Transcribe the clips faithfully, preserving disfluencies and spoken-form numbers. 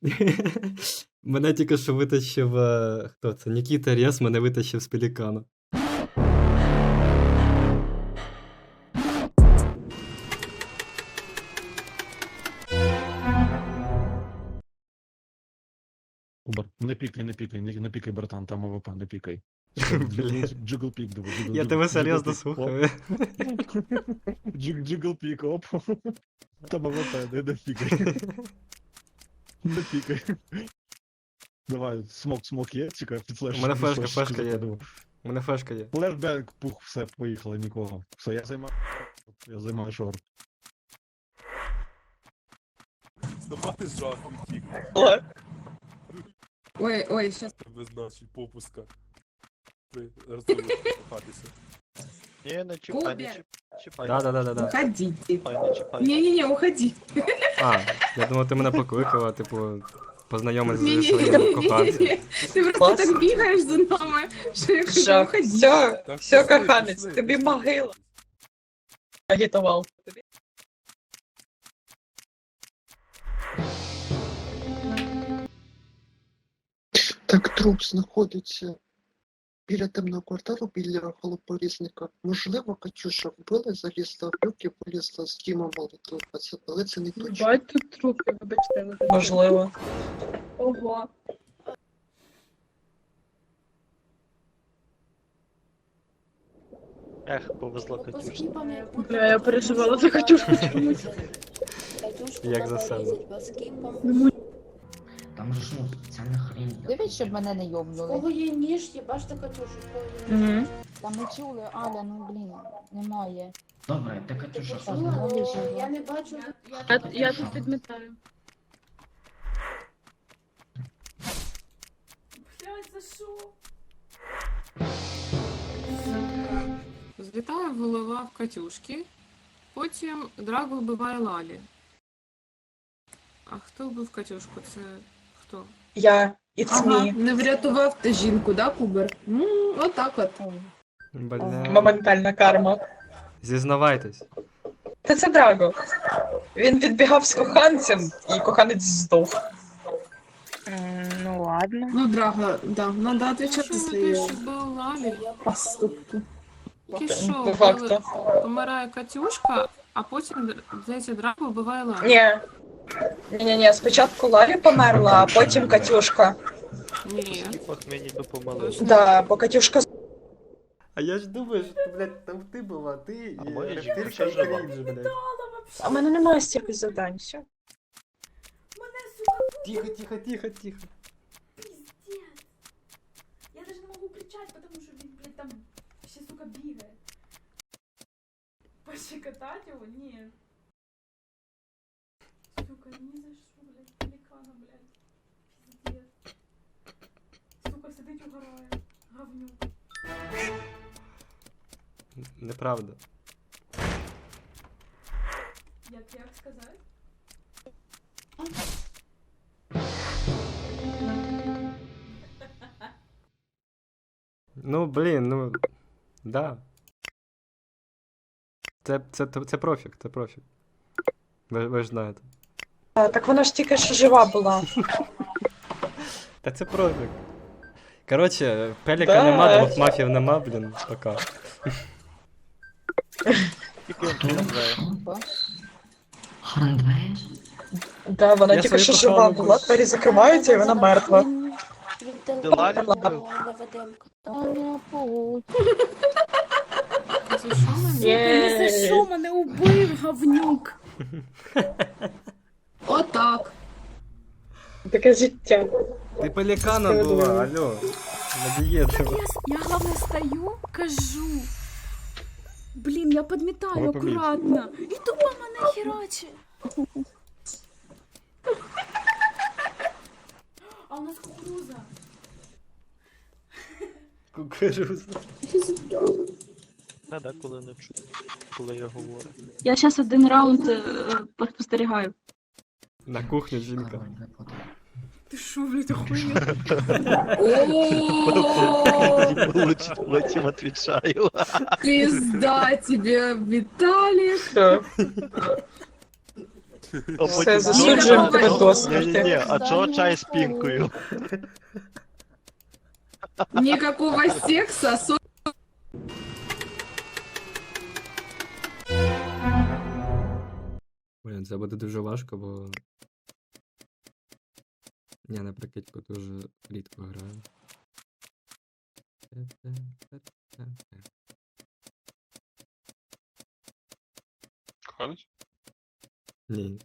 Мене тільки що витащив. е, Хто це? Нікіта Рєс мене витащив з пелікану. Кубар, не пікай, не пікай, не, не пікай, братан, там АВП, не пікай. Джигл пік, диви, джигл Я джигл- тебе джигл серйозно пік, слухаю. оп. Джиг- Джигл пік, оп. Там АВП, не, не пікай. Не пікай. Давай, смок, смок є, чекай, під флеш. У мене під флешка, флешечку флешка є. закидаю. У мене флешка є. Флешбек, пух, все, поїхали, нікого. Все, я займаю. Я займаю шорт. Давай жахом тік, Ой, ой, сейчас. без нашої попуска. Ти розумієш, Не, не чіпай, не Кубер. чіп- чіпай. Да-да-да-да. Уходите. Чіпай, не чіпай. Не-не-не, уходи. А, я думав, ти мене покликала, типу, познайомитися зі Не-не-не, своїм коханцем. не-не-не. Ты просто так бігаєш за нами, що я хочу Все, уходити. все, Так, все, пішли, коханець, пішли. тобі могила. Агітував. Так труп знаходиться біля темного кварталу, біля голопорізника. Можливо, Катюша вбила, залізла в люк і полізла з Дімом молотуватися, але це не точно. Бать тут трупи, вибачте, не знаю. Можливо. Ого. Ех, повезло Катюшці. Бля, я переживала за Катюшку чомусь. Як за себе. Там же ж ну спеціальна хрень. Дивись, щоб мене не йобнули. Кого є ніж, їбаш ти Катюшу, кого є ніж. Угу. Там не чули, Аля, ну блін, немає. Добре, ти Катюша, що Ну, зробила? вижила. Я не бачу, Я, я тут підмітаю. блядь, за що? Злітає голова в Катюшки, потім Драго вбиває Лалі. А хто вбив Катюшку? Це хто? Я, it's Ага, me. не врятував ти жінку, да, Кубер? Ну, отак от. Бля. Моментальна карма. Зізнавайтесь. Та це Драго. Він відбігав з коханцем, і коханець здох. Ну ладно. Ну, Драго, да, надо отвечати за свої вбив Лалі? поступки. Тільки що, По факту. помирає Катюшка, а потім, здається, Драго вбиває Лалі. Ні. Ні-ні-ні, спочатку Лалі померла, а потім Катюшка. Ні. Ох, мені допомогли. Да, бо Катюшка А я ж думаю, що, блядь, там ти була, ти А і моя рептилька жінка і жива. крінж, блядь. А в мене немає стільки завдань, все. Мене, сука, Тихо, тихо, тихо, тихо. пиздец. Я даже не могу кричать, потому что він, блядь, там ще, сука, бігає. Пощекотать его? Нет. Сука, ни за что, блядь, пеликана, блядь. Пиздец. Сука, сидить угорає. Говнюк. Неправда. Як, як сказати? Ну, блін, ну. Да. Це, це, це профік, це профік. Ви, ви ж знаєте. А, так вона ж тільки що жива була. Та це профік. Коротше, пеліка Да. нема, двох мафів нема, блін, пока. Тільки він помирає. Храндвей? Да, вона Я тільки свою що жива кохану була, двері закриваються і вона мертва. Ти Лалі вбив? За що мене? Є. Не за що мене убив, говнюк? Отак. Таке життя. Ти пелікана була, алло. На дієту. Я, я главное стою, кажу. Блін, я підмітаю Ви помітили. акуратно. І тупо мене херачить. А у нас кукуруза. Кукуруза. Та да, коли не чую, коли я говорю. Я зараз один раунд е, спостерігаю. На кухню жінка. Король випадок. Ти шо, блядь, охуєв? Потім відповідаю. Пизда тебе, Виталик. Все. А Все, потім засуджуємо чого- тебе до смерті. Ні-ні-ні, а чого чай з пінкою? Никакого секса, со... Блін, це буде дуже важко, бо. Я на прикидьку дуже рідко граю. Коханець? Ні.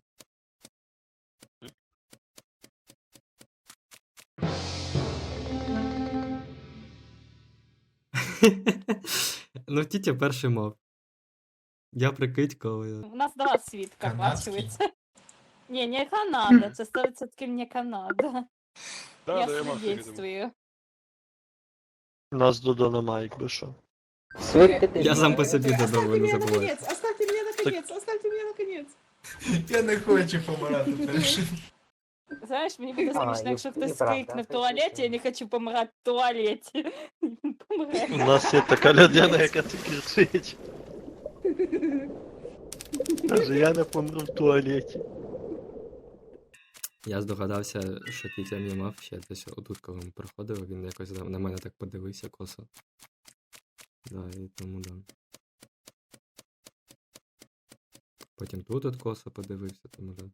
Ну, тітя перший мав. Я прикидько, але. У нас два свідка Канадський. бачилися. Ні, не Канада, це сто відсотків не Канада. Да, Я да, я мав це відомо. свідоцтвую. У нас Додо немає, якби що. Я сам по собі додому не забуваю. Оставьте меня наконец, оставьте меня наконец. Я не хочу помирати першим. Знаєш, мені буде А, смішно, і- якщо і хтось правда, крикне в це туалеті, чесно. я не хочу помирати в туалеті. Він помре. У нас є така людина, яка так кричить. Каже, я не помру в туалеті. Я здогадався, що тітя мій мав ще десь отут, коли ми проходили, він якось на на мене так подивився косо. Да, і тому да. Потім тут от косо подивився, тому да.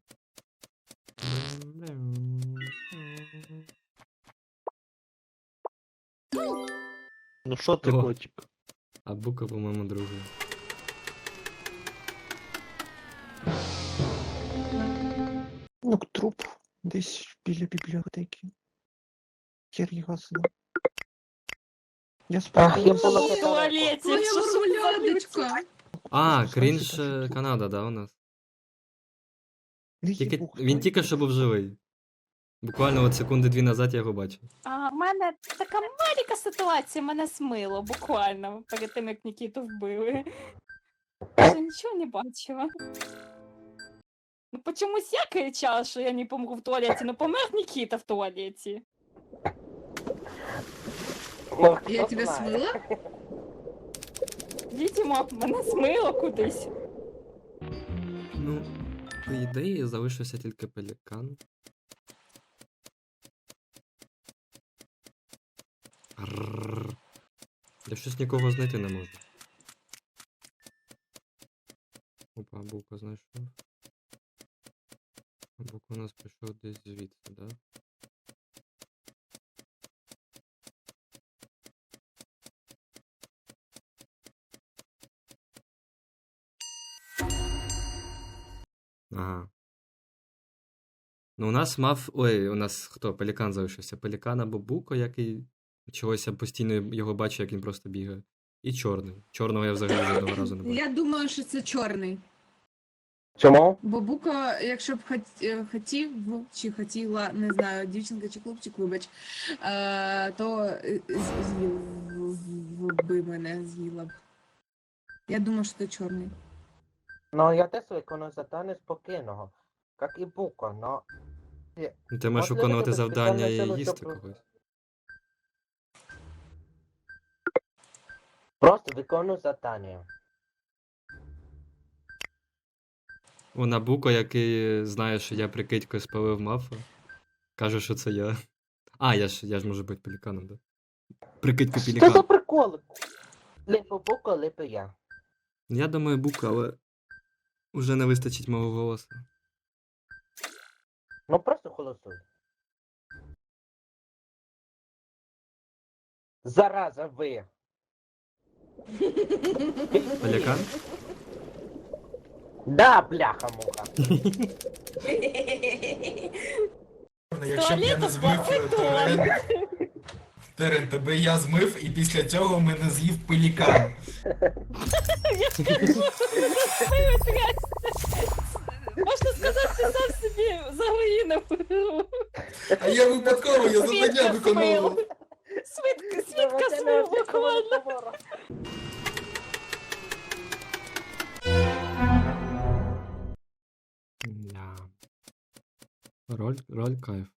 Ну що ти, О. котик? А Бука, по-моєму, другий. Ну, труп десь біля бібліотеки. Хер його знає. Я Ах, сподіваюся. я була В туалеті, Моя що ж за мармелядочка. А, Що крінж це таке? е, Канада, да, у нас? Не Тільки, їбух, він ну. тільки що був живий. Буквально от секунди дві назад я його бачив. А в мене така маленька ситуація, мене смило буквально перед тим, як Нікіту вбили. Я нічого не бачила. Ну почомусь я кричала, що я не помру в туалеті, ну помер Нікіта в туалеті. Я тебя смыла? Відьмо, мене смило кудись. Ну, по ідеї, залишився тільки пелікан. Аррррр. Я щось нікого знайти не можу. Опа, Бука знайшов. Бука у нас прийшов десь звідси, да? Ага. Ну, у нас мав. Ой, у нас хто? Пелікан залишився. Пелікан або Буко, який чогось я постійно його бачу, як він просто бігає. І чорний. Чорного я взагалі жодного разу не бачив. Я думаю, що це чорний. Чому? Бо Бука, якщо б хот- е, хотів, ну, чи хотіла, не знаю, дівчинка чи хлопчик, вибач, е, то е, з- з'їв в- би мене з'їла б. Я думаю, що це чорний. Ну, я теж виконую завдання спокійного, як і Буко, но... Ну, ти можеш Можливо, виконувати тебе завдання спеціальна і сила, їсти щоб- когось. Просто виконую завдання. Вона Буко, який знає, що я прикидькою спалив мафа. Каже, що це я. А, я ж, я ж можу бути пеліканом, да? Прикидько Що за пелікан. приколи? Липо Буко, липо я. Я думаю, Бука, але уже не вистачить мого голосу. Ну просто голосуй. Зараза ви. Пелікан? Да, бляха-муха. Якщо б я не змив е, Терен, Терен, тебе я змив, і після цього мене з'їв пелікан. Я ж кажу, смило трясся. Можна сказати, ти сам собі загоїнив гру. А я випадково, я завдання Свідка виконував. смило. Свідка, свідка смило буквально. Да. Роль, роль кайф.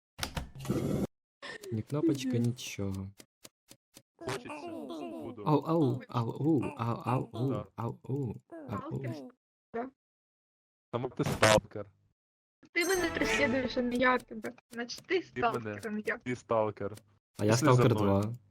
Ні кнопочка, нічого. Хочеться. Буду. Ау, ау, ау, ау, ау, ау, ау, Да. ау, ау, ау. Тому ти сталкер. Ти мене преслідуєш, а не я тебе. Значить, ти Ти мене. сталкер, а не я. Ти сталкер. А я Пішли за Сталкер мною. два.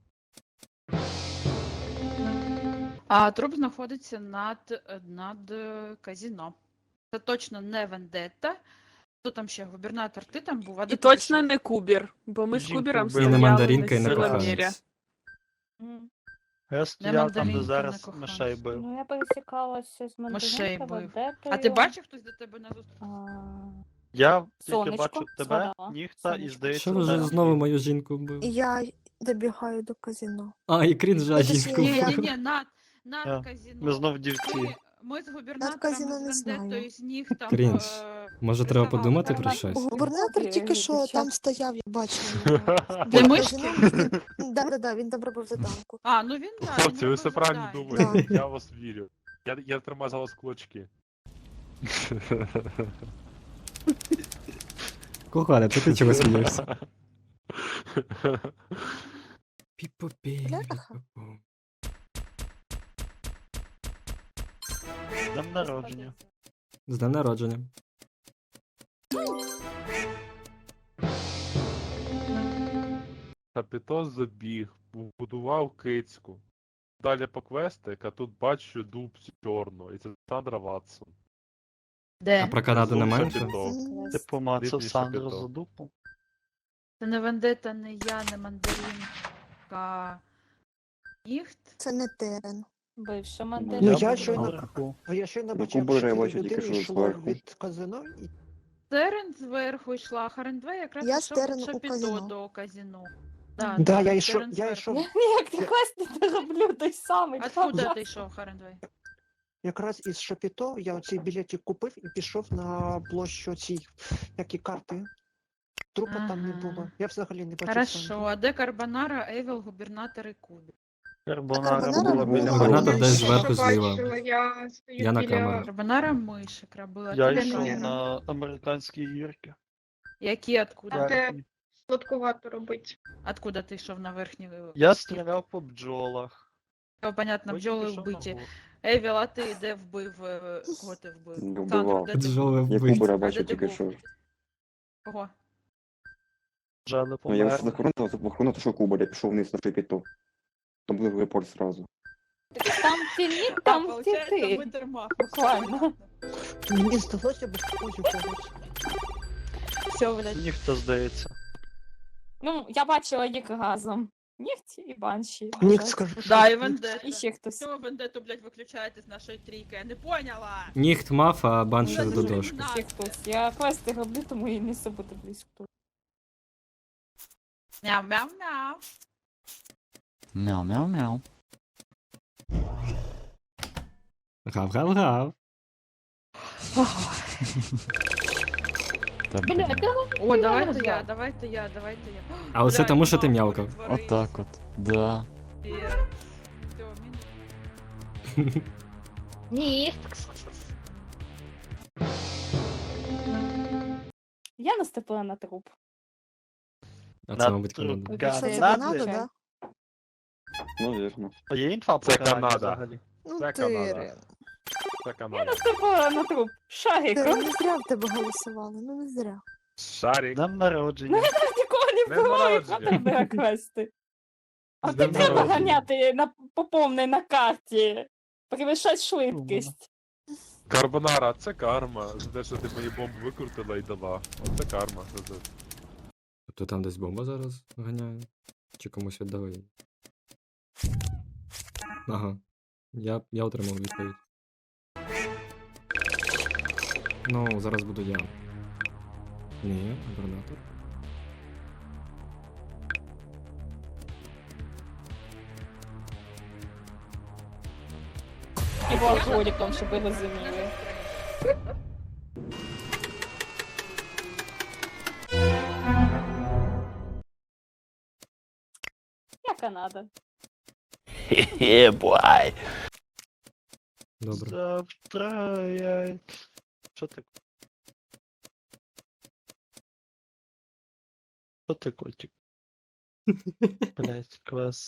А труп знаходиться над, над е, казіно. Це точно не вендетта. Хто там ще? Губернатор, ти там був, а де І ти точно пішов? не Кубір, бо ми з Жінку Кубіром вбили. І не стояли мандаринка, і на не силомірі. коханець. М. Я стояв там, де мандаринка, зараз не коханець. мишей бив. Ну, я пересікалася з Мишей мандаринкою, бив. Ведетою. А ти бачив, хтось до тебе на зустріч? А, Я тільки Сонечко, бачу тебе, згадала. ніхта і Сонечко. здається. Що ви вже Тарас. знову мою жінку вбив? Я добігаю до казино. А, і крінжа Точніше, жінку Ні, вбив. ні, ні, над, над Я- казіно. Ми знов дівці. Ми, ми з губернатором, казіно з не знаю. вендеттою, з них там... Крінж. е, Може, треба признавали. подумати про Нормально. щось? Губернатор тільки що Дівчат. там стояв, я бачила його. Для Під мишки? казином. Да, да, да, він там робив заданку. А, ну він, так. Хлопці, ви все правильно Да. думаєте. Я вас вірю. Я, я тримаю за вас кулачки. Кохане, це ти чого смієшся? Пі-пу-пі, Бляха. пі-пу-пу. З днем народження. З днем народження. Капітос забіг, будував кицьку. Далі по квестик, а тут бачу дуб чорну, і це Сандра Ватсон. Де? А про Канаду немає Зовсім нічого? бідно. Ти помацав Дивніше Сандру питав. за дупу. Це не вендетта, не я, не мандаринка. Ніхт? Це не терен. Бивша Ну, мандаринка. я я щойно- наверху. Я щойно Ну, бачив, Кубера що я дві бачу тільки людини що йшло зверху. від казино, і Терен зверху йшла, Харен два якраз Я пішов Терен від у Шапіто казино. до казино. Да, Да, я Терен йшов, я зверху. йшов Я ніяк ти квест не роблю той самий. Откуда ти йшов, Харен два? якраз із Шапіто, я оцей білетик купив і пішов на площу цій, як і карти. Трупа там не Ага. було. Я взагалі не бачив. Хорошо, Сандру. а де Карбонара, Евіл, губернатор і Кубі? Карбонара Карбонара була біля Губернатор мене. десь зверху зліва. Я, Я на камеру. Карбонара мишик робила. Я Ти де йшов мене? на американській гірки. Які, откуда? Верхній. Сладкувато робить. Откуда ти йшов на верхній? Я стріляв по бджолах. О, понятно, Потім бджоли пішов на вбиті. гору. Евіл, а ти де вбив? е, Кого ти вбив? Не Сандра, вбивав. де ти Бджоли був? Я вбиті. Кубера А де бачив ти тільки був? що. Кого? Ну Вже не я помер. вже захоронив, захоронив, що Кубера, пішов вниз на Шепіто. Там був репорт зразу. Там ті ні, там ті ти. дарма. Буквально. Мені здалося без когось у когось. Все, блядь. Ніхто здається. Ну, я бачила їх разом. Нігті і банші. Нік, скажи, що... Да, і Вендетта. І ще хтось. Чого Вендетту, блядь, виключаєте з нашої трійки? Я не поняла! Ніхт мав, а банші Ну, до це дошки. ж Ще хтось. Я квести роблю, тому і не бути близько. Мяу-мяу-мяу. Мяу-мяу-мяу. Гав-гав-гав. Бля, О, давайте я, давайте я, давайте я. А оце Блядь, тому, що ти мама, м'явкав. перетворись. Отак от. Да. Всё, мінус. Ні. я наступила на труп. А це, мабуть, труп Канада. Що це Канади. Канада, да? Ну, вірно. А є інфа по Це Канаді Канада. взагалі? Ну, Це Канада. Терен. Це Я Канада. наступила на труп. Шарик. Терен, не зря в тебе голосували, ну не зря. Шарик. Днем народження. Нікого не Днем вбиваю, народження. хватить на квести. А З ти днем треба народження. ганяти на, по повній на карті. Перевищать швидкість. Карбонара, це карма. За те, що ти мої бомби викрутила і дала. Оце карма. за це. Тобто там десь бомба зараз ганяє? Чи комусь віддали її? Ага. Я, я отримав відповідь. Ну, зараз буду я. Ні, губернатор. І був алкоголіком, щоб ви розуміли. Я Канада. Хе-хе, бай. Добре. Завтра я... Що ти? Що ти, котик? Блять, клас.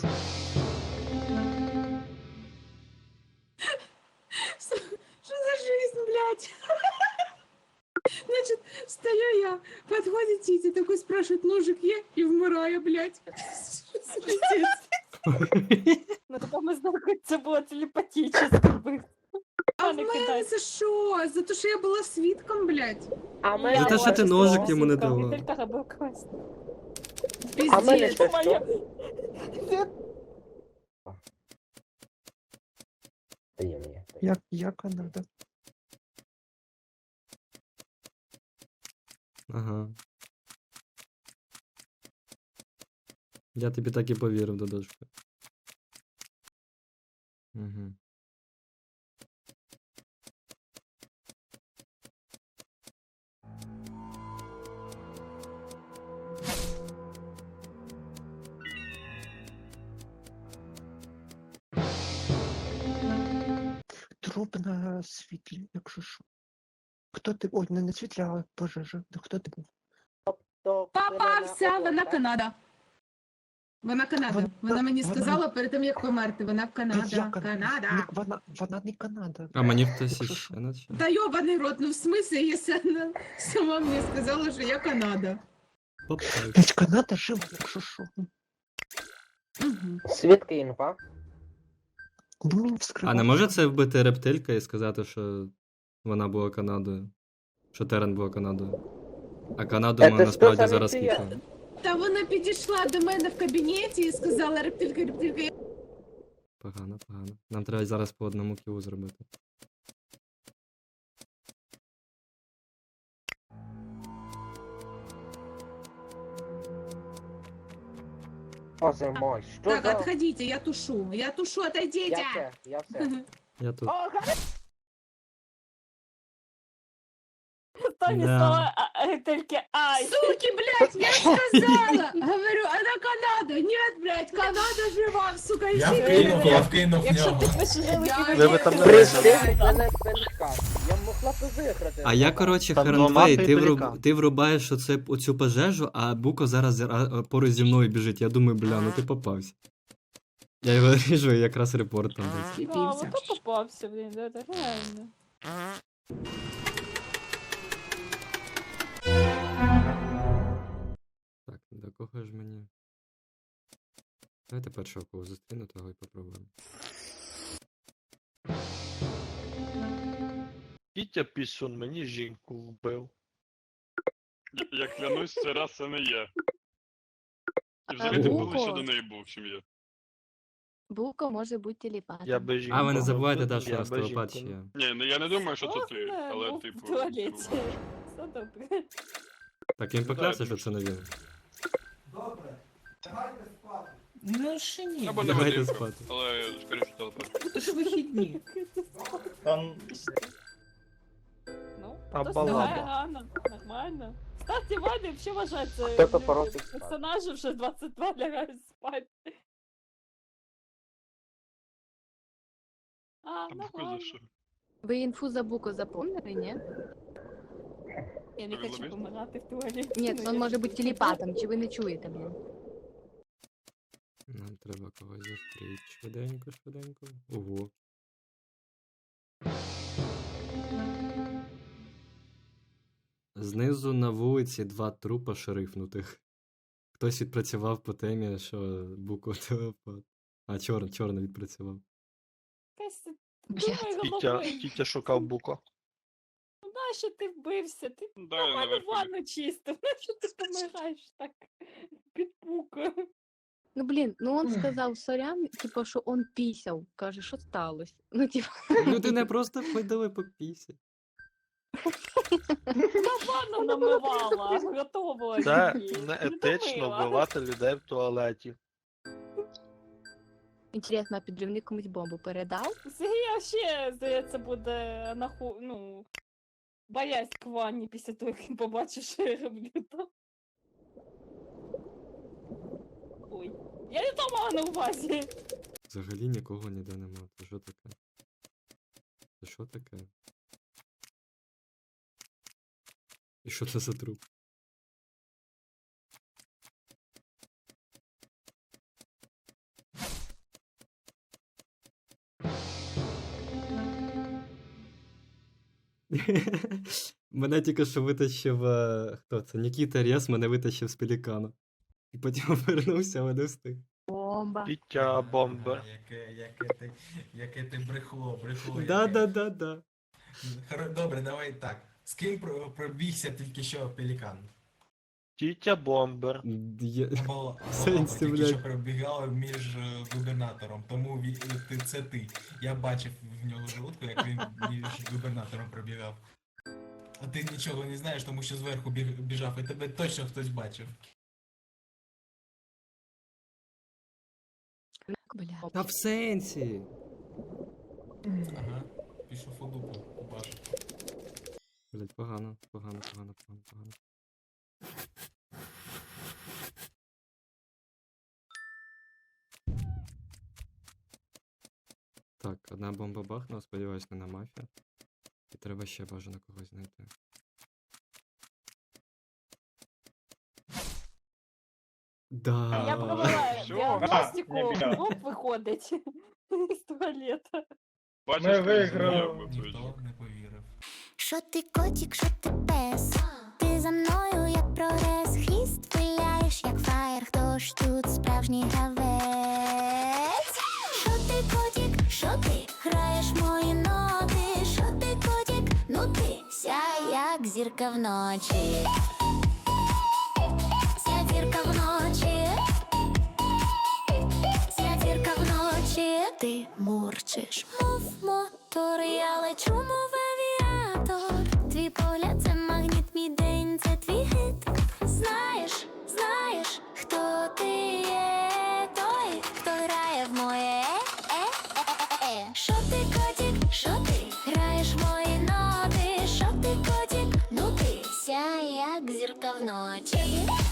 Що за жизнь, блядь? хуя? Подходит Тітя, такой спрашивает, ножик є? І вмирає, блядь. Що за пиздець? Ну тепер ми знаємо, як це було телепатично. А в мене за що? За те, що я була свідком, блядь? А ми- За те, що ти ножик йому не дала. Віталька робив квест. А в мене Пиздец. ще що? Як, як Канада? Ага. Я тобі так і повірив, Додошка. Угу. Труп на світлі, якщо що. Хто ти? Ой, не на світлі, а пожежа. Да хто ти був? Попався, вона Канада. Вона Канада. Вона- Вона мені вона- сказала перед тим, як померти. Вона в Та Канада. яка- Канада. Не- Вона, вона не Канада. А мені хтось Якщо іще наче. Та йобаний рот, ну в смислі, якщо вона сама мені сказала, що я Канада. Попав. Та ж Канада жива, якщо що. Угу. Свідки інфа. Бо він А вскривав. не може це вбити рептилька і сказати, що вона була Канадою? Що Терен була Канадою? А Канаду Це ми ж насправді то зараз саме ти. кікали. Та вона підійшла до мене в кабінеті і сказала, рептилька, рептилька, я Погано, погано. Нам треба зараз по одному кілу зробити. Боже мой, що Так, за... отходите, я тушу. Я тушу, отойдите. Я все, я все. Я тут. Останні Да. слова а, а, тільки ай. Суки, блядь, я сказала. Говорю, она Канада. Нет, блядь, Канада жива, сука, Я ищи вкинув, меня. я вкинув в Якщо ти нього. пишеш Я- Ви ви там не Прийшли вижили. мене пелькан. Я могла б виграти. А я, коротше, Там Херенвей, двома ти, вруб... пелікан. ти врубаєш оце, оцю пожежу, а Буко зараз а, поруч зі мною біжить. Я думаю, бля, ну ти попався. Я його ріжу і якраз репорт там десь. А, Сліпився. ото попався, блін, да, так реально. Так, до кого ж мені? Давайте першого кого зустріну, того і попробуємо. Тітя Пісун мені жінку вбив. Я клянусь, це раз це не я. І взагалі ти був лише до неї був, чим я. Буко може бути телепатом. Я би жінку А ви не забувайте, вбив, да, що я у нас би телепат жінку ще не- є. Ні, ну я не думаю, що це Ох, ти, не, але був типу. в туалеті. Все добре. Так, він поклявся, що це не він. Ну ще ні. Або не Давайте Вадимко, спати. але скоріше телепат. Це ж вихідні. Там Ну, А хтось балаба? лягає рано, нормально. Кстати, Ваня взагалі вважається Хто-то для просить спати. персонажів вже двадцять два лягають спати. А, А Буко нормально. за що? Ви інфу за Буко запомнили, ні? Я не Ви хочу зловись? помирати в туалеті. Ні, ну, він я може ж- бути телепатом, чи ви не чуєте, блін? Нам треба когось зустріти. Швиденько, швиденько. Ого. Знизу на вулиці два трупа шерифнутих. Хтось відпрацював по темі, що Буко телепат. А, чорн, чорно відпрацював. Якась Блядь. думай Тітя, головою. тітя шукав буко. Ну нащо ти вбився? Ти Да, нормально наверх. ванну чистив. Нащо ти помираєш так під пукою? Ну блін, ну он сказав сорян, типу, що он пісяв. Каже, що сталося? Ну, типу, Людина просто ходила по пісі. На ванну намивала, готова. Це її. не Не етично домила. вбивати людей в туалеті. інтересно, а підривник комусь бомбу передав? Сергій ще, здається, буде наху... ну, боясь к ванні після того, як він побачив, що я роблю там. Ой. Я не то мала на увазі. Взагалі нікого ніде нема. Це що таке? Це що таке? І що це за труп? Мене тільки що витащив. е, Хто це? Нікіта Рєс мене витащив з пелікана. І потім повернувся, але не встиг. Бомба. Пітя бомба. Ага, Яке, яке ти, яке ти брехло, брехло. яке. Да-да-да-да. Хоро- Добре, давай так. З ким про- пробігся тільки що пелікан? Тітя бомбер. Є- Або Сенсі, Лапа тільки блядь. що пробігала між е, губернатором, тому ві- ти- це ти. Я бачив в нього желудку, як він між губернатором пробігав. А ти нічого не знаєш, тому що зверху біг- біжав, і тебе точно хтось бачив. Бля. Та в сенсі. Ага, пішов у дупу, побачив. Блять, погано, погано, погано, погано, погано. Так, одна бомба бахнула, сподіваюсь, не на мафія. І треба ще бажано когось знайти. Да. Я провела Що? діагностику, А, ніфіга. оп, виходить з туалета. Бачиш, Ми ти виграли. зробив цю Ніхто не повірив. Що ти котик, що ти пес? Ти за мною, як прогрес, хвіст виляєш, як фаєр, хто ж тут справжній гравець? Що ти котик, що ти граєш мої ноти? Що ти котик, ну ти сяй, як зірка вночі. Ся зірка вночі. Ся зірка вночі. Ти мурчиш, мов мотор, я лечу, мов авіатор. Твій погляд це магніт, мій день, це твій хит. Знаєш, знаєш, хто ти є, той, хто грає в моє е-е-е-е. Що ти котик, що ти граєш мої ноти? Що ти котик, ну ти сяй, як зірка вночі.